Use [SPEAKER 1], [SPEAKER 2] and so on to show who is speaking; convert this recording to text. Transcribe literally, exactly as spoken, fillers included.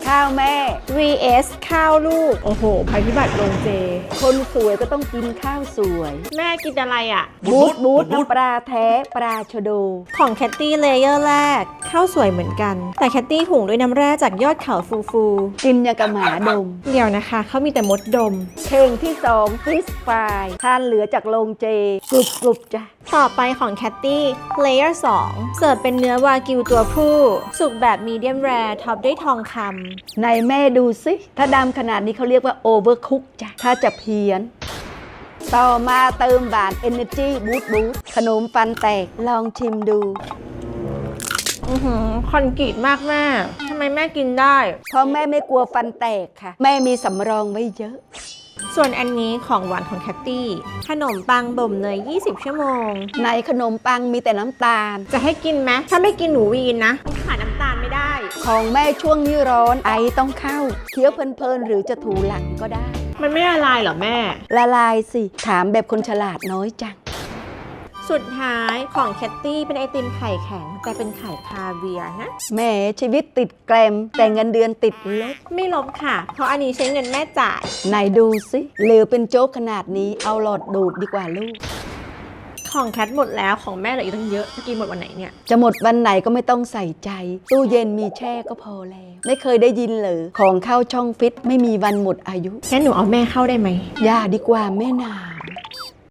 [SPEAKER 1] ข้าวแม่
[SPEAKER 2] วี เอส ข้าวลูก โอ้โหภัยพิบัติโรงเจ
[SPEAKER 1] คนสวยก็ต้องกินข้าวสวย
[SPEAKER 2] แม่กินอะไรอ่ะ
[SPEAKER 1] บูทบูทน้ำปลาแท้ปลาชะโด
[SPEAKER 2] ของแคตตี้เลเยอร์แรกข้าวสวยเหมือนกัน แต่แคตตี้หุงด้วยน้ำแร่จากยอดเขาฟูฟู
[SPEAKER 1] กินอย่างกับหมาดม
[SPEAKER 2] เดี๋ยวนะคะเขามีแต่มดดม
[SPEAKER 1] เพลงที่สองฟิสฟรายทานเหลือจากโรงเจกรุบกรุบจ้ะ
[SPEAKER 2] ต่อไปของแคตตี้เลเยอร์สองเสิร์ฟเป็นเนื้อวากิวตัวผู้สุกแบบมีเดียมแรร์ท็อปด้วยทองคำ
[SPEAKER 1] ในแม่ดูสิ ถ้าดำขนาดนี้เขาเรียกว่าโอเวอร์คุกจ้ะ ถ้าจะเพี้ยน ต่อมาเติมบาน Energy Boost Boost ขนมฟันแตกลองชิมดู
[SPEAKER 2] อือหือคอนกรีตมากแม่ทำไมแม่กินได้
[SPEAKER 1] เพราะแม่ไม่กลัวฟันแตกค่ะ แม่มีสำรองไว้เยอะ
[SPEAKER 2] ส่วนอันนี้ของหวานของแคตตี้ขนมปังบ่มเนยยี่สิบชั่วโมง
[SPEAKER 1] ในขนมปังมีแต่น้ำตาล
[SPEAKER 2] จะให้กินไหมถ้าไม่กินหนูวีนนะมันขาดน้ำตาลไม่ได้
[SPEAKER 1] ของแม่ช่วงนี้ร้อนไอต้องเข้าเคี้ยวเพลินๆหรือจะถูหลังก็ได้
[SPEAKER 2] มันไม่ละลายเหรอแม่
[SPEAKER 1] ละลายสิ ถามแบบคนฉลาดน้อยจัง
[SPEAKER 2] สุดท้ายของแคตตี้เป็นไอติมไข่แข็ง แต่เป็นไข่คาเวียร์นะ
[SPEAKER 1] แม่ชีวิตติดแกรม แต่เงินเดือนติดลบ
[SPEAKER 2] ไม่ลบค่ะ เพราะอันนี้ใช้เงินแม่จ่าย
[SPEAKER 1] ไหนดูสิเหลวเป็นโจ๊กขนาดนี้เอาหลอดดูดดีกว่าลูก
[SPEAKER 2] ของแคทหมดแล้วของแม่เหลืออีกตั้งเยอะจะกินหมดวันไหนเนี่ย
[SPEAKER 1] จะหมดวันไหนก็ไม่ต้องใส่ใจ ตู้เย็นมีแช่ก็พอแล้ว ไม่เคยได้ยินเลยของเข้าช่องฟิตไม่มีวันหมดอายุ
[SPEAKER 2] งั้นหนูเอาแม่เข้าได้ไหม
[SPEAKER 1] อย่าดีกว่าแม่หนาว